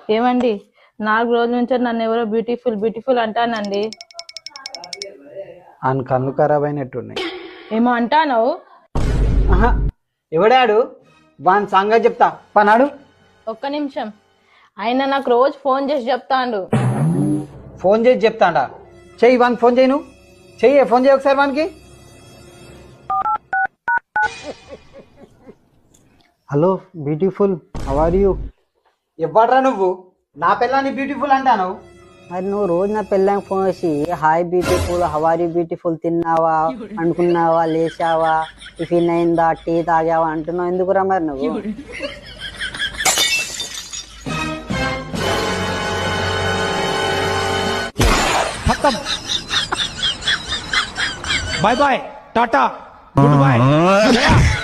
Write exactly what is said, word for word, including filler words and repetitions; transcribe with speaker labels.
Speaker 1: ఏమండి, నాలుగు రోజుల నుంచి నన్ను ఎవరో బ్యూటిఫుల్ బ్యూటిఫుల్ అంటానండి.
Speaker 2: ఆయన కళ్ళు ఖరాబ్ అయినట్టున్నాయి.
Speaker 1: ఏమో అంటాను.
Speaker 2: ఆహా, ఎవడాడు? వాని సంగతి చెప్తా పనాడు.
Speaker 1: ఒక్క నిమిషం. ఆయన నాకు రోజు ఫోన్ చేసి చెప్తాండు.
Speaker 2: ఫోన్ చేసి చెప్తాడా? చెయ్యి వానికి ఫోన్ చేయి. నువ్వు చెయ్యి, ఫోన్ చేయి ఒకసారి వానికి. Hello beautiful, how are you? ఇవ్వడ్రా నువ్వు నా పిల్లని బ్యూటిఫుల్ అంటాను.
Speaker 3: మరి నువ్వు రోజు నా పిల్లని ఫోన్ చేసి హాయ్ బ్యూటిఫుల్, హవారీ బ్యూటిఫుల్, తిన్నావా, అనుకున్నావా, లేచావా, టిఫిన్ అయిందా, టీ తాగావా అంటున్నావు ఎందుకురా మరి నువ్వు?
Speaker 4: Bye bye tata good bye.